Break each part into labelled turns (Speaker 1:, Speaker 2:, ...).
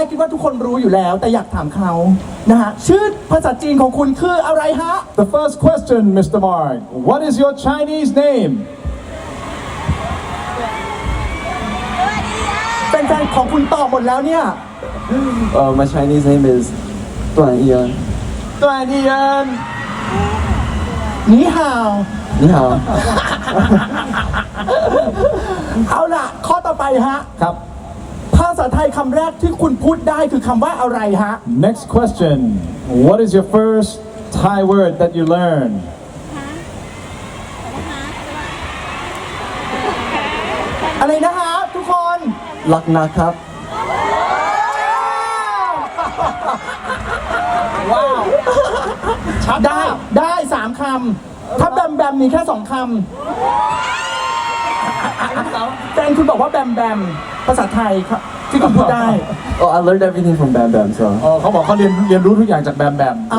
Speaker 1: คิดว่าทุกคนรู้อยู่แล้วแต่อยากถามเขานะฮะชื่อภาษาจีนของคุณคืออะไรฮะ
Speaker 2: The first question, Mr. Mark. What is your Chinese name?
Speaker 1: แฟนๆของคุณตอบหมดแล้วเนี่ย
Speaker 3: My Chinese name is Duan Ian.
Speaker 2: ตัวเนียน
Speaker 1: นี่ฮาว
Speaker 3: 你好
Speaker 1: เอาล่ะ ข้อต่อไปฮะ
Speaker 2: ครับ
Speaker 1: ภาษาไทยคำแรกที่คุณพูดได้คือคำว่าอะไรฮะ
Speaker 2: Next question. What is your first Thai word that you learned?
Speaker 1: อะไรนะฮะทุกคน
Speaker 3: รักนะครับ
Speaker 1: ว้าวได้3 คำ ถ้าแบมแบมมีแค่2 คำแฟนคุณบอกว่าแบมแบมภาษาไทยครับที่คุณพูดได้
Speaker 3: Oh I learned everything from Bam Bam so
Speaker 2: เขาบอกเขาเรียนรู้ทุกอย่างจากแบมแบม
Speaker 1: อ่า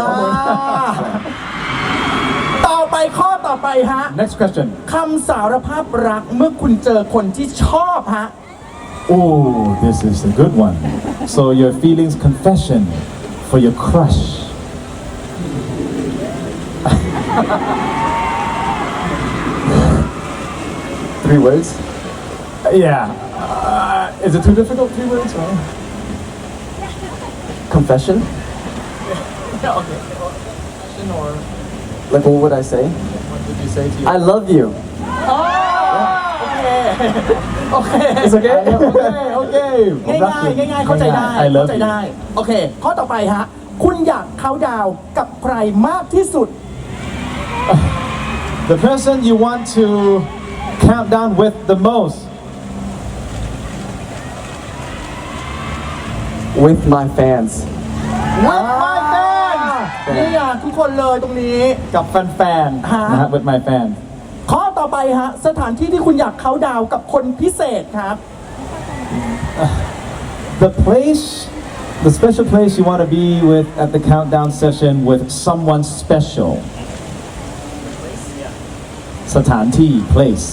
Speaker 1: ต่อไปข้อต่อไปฮะ
Speaker 2: Next question.
Speaker 1: คำสารภาพรักเมื่อคุณเจอคนที่ชอบฮะ
Speaker 2: Oh, this is a good one. So your feelings confession for your crush.
Speaker 3: three words
Speaker 2: Yeah. Is it too difficult? 3 words? Or?
Speaker 3: confession like what would I say
Speaker 2: What did you say to you?
Speaker 3: I love you
Speaker 1: โอเค
Speaker 3: It's okay
Speaker 2: Okay.
Speaker 1: ง่ายๆเข้าใจได้
Speaker 2: I
Speaker 1: เข้า
Speaker 2: love
Speaker 1: ใจ
Speaker 2: you.
Speaker 1: ได้ โอเค ข้อต่อไปฮะ คุณอยากเขาน์ดาวน์กับใครมากที่สุด
Speaker 2: The person you want to count down with the most.
Speaker 3: with my fans
Speaker 1: With my fans นี่อ่ะทุกคนเลยตรงนี้
Speaker 2: กับแฟนๆนะฮะ with my fans.
Speaker 1: ข้อต่อไปฮะ สถานที่ที่คุณอยากเขาน์ดาวน์กับคนพิเศษครับ
Speaker 2: The special place you want to be with at the countdown session with someone special. สถานที่ place.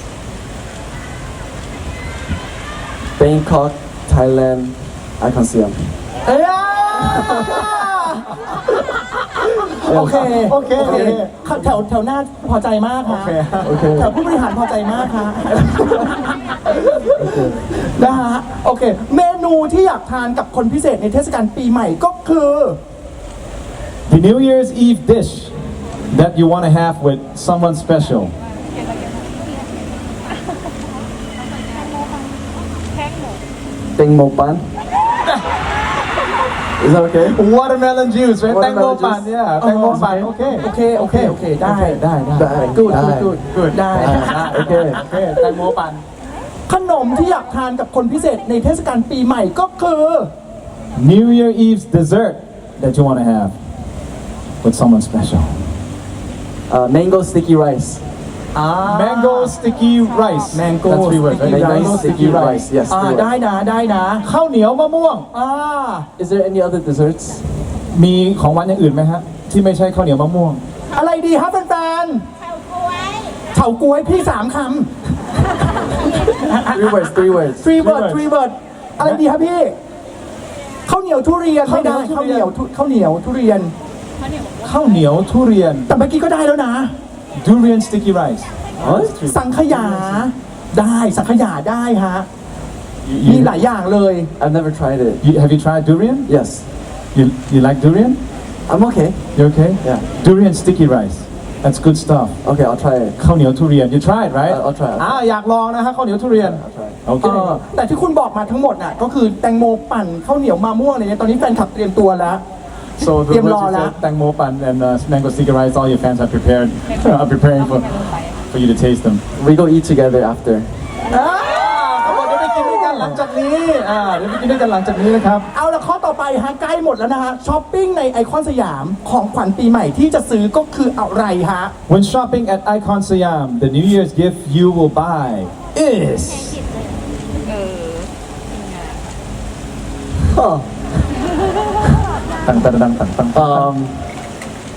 Speaker 3: Bangkok Thailand Icon Siam
Speaker 1: เอ้ยโอเค
Speaker 2: โอเค
Speaker 1: แถวหน้าพอใจมากฮะ
Speaker 3: โอเค
Speaker 1: แถวผู้บริหารพอใจมากฮะนะฮะโอเค เมนูที่อยากทานกับคนพิเศษในเทศกาลปีใหม่ก็คือ
Speaker 2: The New Year's Eve dish that you want to have with someone special.
Speaker 3: แตงโมปัน Is that okay
Speaker 2: Watermelon juice, right?
Speaker 3: Watermelon
Speaker 2: แตงโมปั่น
Speaker 3: juice.
Speaker 2: yeah. แตงโมปั่น โอเค
Speaker 1: โอเค ได้
Speaker 3: Good
Speaker 1: good ได้
Speaker 3: โอเค
Speaker 2: โอเค แตงโมปั่น
Speaker 1: ขนมที่อยากทานกับคนพิเศษในเทศกาลปีใหม่ก็คือ
Speaker 2: New Year Eve's dessert that you want to have with someone special.
Speaker 3: Mango sticky rice
Speaker 2: Mango sticky rice.
Speaker 1: Mango
Speaker 2: That's 3 words, right?
Speaker 3: Mango sticky rice yes
Speaker 1: อ่า
Speaker 3: three words.
Speaker 1: ได้นะ
Speaker 2: ข้าวเหนียวมะม่วง
Speaker 1: อ่า
Speaker 3: Is there any other desserts
Speaker 2: มีของหวานอย่างอื่นไหมฮะ ที่ไม่ใช่ข้าวเหนียวมะม่วง
Speaker 1: อะไรดีครับแฟนๆเฉาก๊วยพี่3 คำ
Speaker 3: three words
Speaker 1: 3 word อะไรดีครับพี่ข้าวเหนียวทุเรียนไม่ได้
Speaker 2: ข้า
Speaker 1: ข้าว ว
Speaker 2: เห
Speaker 1: เห
Speaker 2: นี
Speaker 1: นี
Speaker 2: ย
Speaker 1: ยว วข้าวเหนียวทุเรียน
Speaker 2: ข้าวเหนียวทุเรียน
Speaker 1: แต่เมื่อกี้ก็ได้แล้วนะ
Speaker 2: Durian sticky rice.
Speaker 3: What?
Speaker 1: สังขยาได้สังขยาได้ฮะ
Speaker 2: You-
Speaker 1: มีหลายอย่างเลย
Speaker 3: I've never tried it
Speaker 2: Have you tried durian?
Speaker 3: yes
Speaker 2: You like durian?
Speaker 3: I'm okay
Speaker 2: You okay?
Speaker 3: Yeah.
Speaker 2: Durian sticky rice. That's good stuff.
Speaker 3: okay I'll try it
Speaker 2: ข้าวเหนียวทุเรียน You tried, right?
Speaker 3: I'll try.
Speaker 2: อยากลองนะฮะข้าวเหนียวทุเรียน
Speaker 3: I'll try
Speaker 2: โอเค
Speaker 1: แต่ที่คุณบอกมาทั้งหมดน่ะก็คือแตงโมปั่นข้าวเหนียวมะม่วงอะไรเนี่ยตอนนี้แฟนคลับเตรียมตัวแล้ว
Speaker 2: So the
Speaker 1: เตรียม
Speaker 2: words
Speaker 1: รอ
Speaker 2: you
Speaker 1: แล้ว
Speaker 2: said, Tang Mo Pan and mango sticky rice, all your fans are prepared, are preparing for you to taste them.
Speaker 3: we go eat together after
Speaker 2: เขาบอกจะไปกินด้วยกันหลังจากนี้เดี๋ยวไปกินด้วยกันหลังจากนี้นะครับ
Speaker 1: เอาละข้อต่อไปฮะใกล้หมดแล้วนะฮะช้อปปิ้งในไอคอนสยามของขวัญปีใหม่ที่จะซื้อก็คืออะไรฮะ
Speaker 2: When shopping at Icon Siam, the New Year's gift you will buy is
Speaker 3: huh.
Speaker 2: ตัง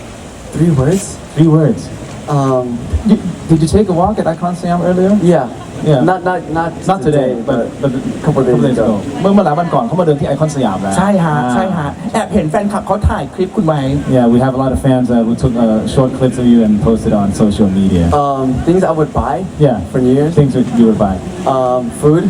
Speaker 3: 3 words
Speaker 2: 3 words.
Speaker 3: um
Speaker 2: Did you take a walk at Icon Siam earlier?
Speaker 3: yeah
Speaker 2: Yeah.
Speaker 3: Not
Speaker 2: today, but
Speaker 3: a couple days ago.
Speaker 2: เมื่อหลายวันก่อนเขามาเดินที่ไอคอนสยามแล้ว
Speaker 1: ใช่ฮะใช่ฮะแอบเห็นแฟนคลับเขาถ่ายคลิปคุณไว้
Speaker 2: Yeah, we have a lot of fans who took short clips of you and posted on social media.
Speaker 3: Things I would buy.
Speaker 2: Yeah,
Speaker 3: For New Year's.
Speaker 2: things that you would buy.
Speaker 3: Food.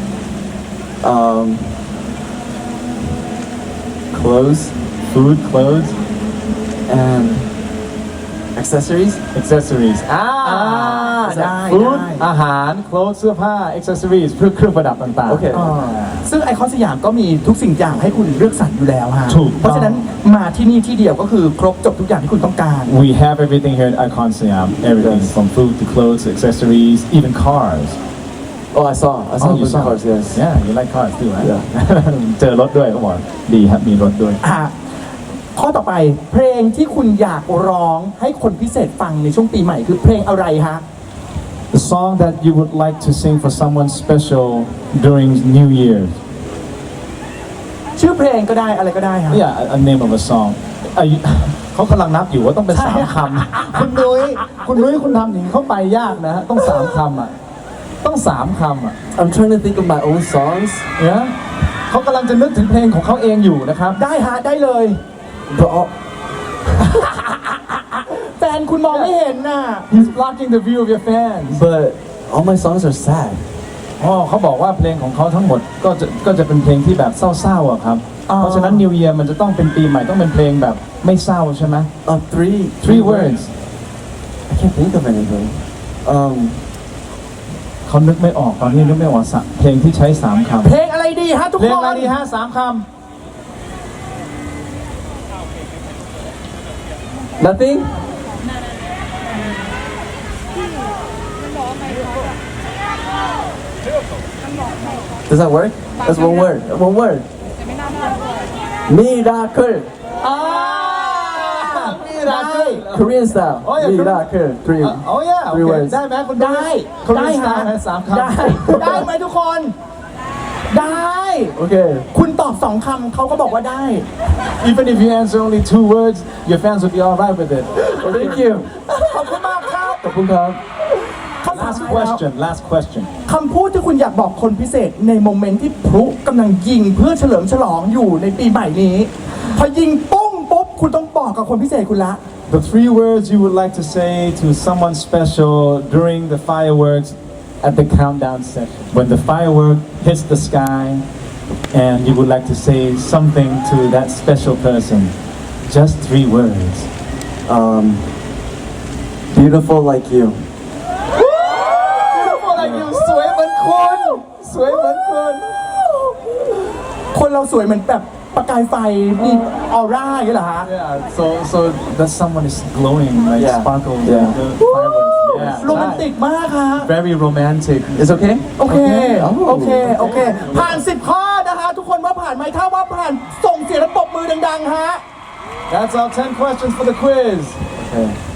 Speaker 3: Clothes
Speaker 2: Food, clothes,
Speaker 3: and accessories.
Speaker 2: accessories.
Speaker 1: ได้
Speaker 2: Food
Speaker 1: ได้
Speaker 2: อาหาร clothes เสื้อผ้า accessories เครื่องประดับต่างๆ
Speaker 3: โอเค
Speaker 1: อ่าซึ่งไอคอนสยามก็มีทุกสิ่งอย่างให้คุณเลือกสรรอยู่แล้วฮะ
Speaker 2: ถูกต้อง
Speaker 1: เพราะฉะนั้นมาที่นี่ที่เดียวก็คือครบจบทุกอย่างที่คุณต้องการ
Speaker 2: We have everything here at Icon Siam. Everything
Speaker 3: Yes.
Speaker 2: from food to clothes to accessories, even cars.
Speaker 3: Oh, I saw
Speaker 2: Oh, you
Speaker 3: those
Speaker 2: saw?
Speaker 3: cars. Yes.
Speaker 2: Yeah, you like cars too, right?
Speaker 3: Yeah.
Speaker 2: เจอรถด้วยเขาบอกดีครับมีรถด้วย
Speaker 1: อ่ะข้อต่อไปเพลงที่คุณอยากร้องให้คนพิเศษฟังในช่วงปีใหม่คือเพลงอะไรฮะ
Speaker 2: The song that you would like to sing for someone special during New Year.
Speaker 1: ชื่อเพลงก็ได้อะไรก็ได้ฮะ
Speaker 2: Yeah, a name of a song. เขากำลังนับอยู่ว่าต้องเป็น
Speaker 1: ใช่
Speaker 2: 3 คำ คุณนุ้ยคุณทำอย่างนี้เข้าไปยากนะฮะต้อง 3 คำอ่ะต้อง 3 คำอ่ะ
Speaker 3: I'm trying to think of my own songs,
Speaker 2: เนี่ยเขากำลังจะนึกถึงเพลงของเขาเองอยู่นะครับ
Speaker 1: ได้ฮะได้เลย
Speaker 3: but all,
Speaker 1: แฟนคุณมองไม่เห็นน่ะ
Speaker 2: He's blocking the view of your fans.
Speaker 3: but all my songs are sad.
Speaker 2: อ๋อเขาบอกว่าเพลงของเขาทั้งหมดก็จะเป็นเพลงที่แบบเศร้าๆอะครับ
Speaker 1: อ๋อ
Speaker 2: เพราะฉะนั้น New Year มันจะต้องเป็นปีใหม่ต้องเป็นเพลงแบบไม่เศร้าใช่ไหม
Speaker 3: Three
Speaker 2: words
Speaker 3: I can't think of anything.
Speaker 2: เขานึกไม่ออกตอนนี้นึกไม่ออกเพลงที่ใช้ 3 คำ
Speaker 1: เพลงอะไรดีฮะทุก
Speaker 2: เพล
Speaker 1: ค
Speaker 2: งอะไร
Speaker 1: น
Speaker 2: ดีฮะ3 ค
Speaker 3: Nothing. Does that work? That's one word. One word. Miracle.
Speaker 1: อ่ามีได้
Speaker 3: Korean style.
Speaker 2: Oh, yeah, Korean-
Speaker 3: Miracle. Three.
Speaker 2: Oh yeah
Speaker 3: Three
Speaker 2: okay.
Speaker 3: words.
Speaker 2: ได้ไหมคุณ
Speaker 1: ได้
Speaker 2: เขา
Speaker 1: ได้
Speaker 2: เรียนสไต
Speaker 1: ฮะ
Speaker 2: ล์นะ3 คำ
Speaker 1: ได้ได้ไหมทุกคน ได้
Speaker 3: Okay.
Speaker 1: คุณตอบ2 คำเขาก็บอกว่าได้
Speaker 2: Even if you answer only 2 words your fans will be alright with it.
Speaker 3: Thank you.
Speaker 1: ขอบคุณมากครับ
Speaker 3: ขอบคุณครับ
Speaker 1: คำถาม
Speaker 2: Last
Speaker 1: สุดท้ายแล้ว
Speaker 2: question last question
Speaker 1: คำพูดที่คุณอยากบอกคนพิเศษในโมเมนต์ที่พลุกำลังยิงเพื่อเฉลิมฉลองอยู่ในปีใหม่นี้ พอยิงปุ้งปุ๊บคุณต้องบอกกับคนพิเศษคุณละ
Speaker 2: The 3 words you would like to say to someone special during the fireworks at the countdown session. When the firework hits the sky and you would like to say something to that special person. Just 3 words.
Speaker 3: Beautiful like you.
Speaker 2: Beautiful like you สวยเหมือนคุณสวยเหมือนคุณ
Speaker 1: คนเราสวยเหมือนแบบประกายไฟมีออร่าอย่างนี้เหรอฮะ
Speaker 2: Yeah, so that someone is glowing like
Speaker 3: Yeah.
Speaker 2: sparkles
Speaker 3: Yeah.
Speaker 2: like the fireworks. Yeah.
Speaker 1: โรแมนติกมากฮะ
Speaker 2: Very romantic.
Speaker 3: It's okay?
Speaker 1: โอเค
Speaker 3: Okay.
Speaker 1: โอเค โอเค ผ่าน 10 ข้อนะคะ ทุกคนว่าผ่านไหมถ้าว่าผ่านส่งเสียงและปรบมือดังๆฮะ
Speaker 2: That's our 10 questions for the quiz.
Speaker 3: Okay.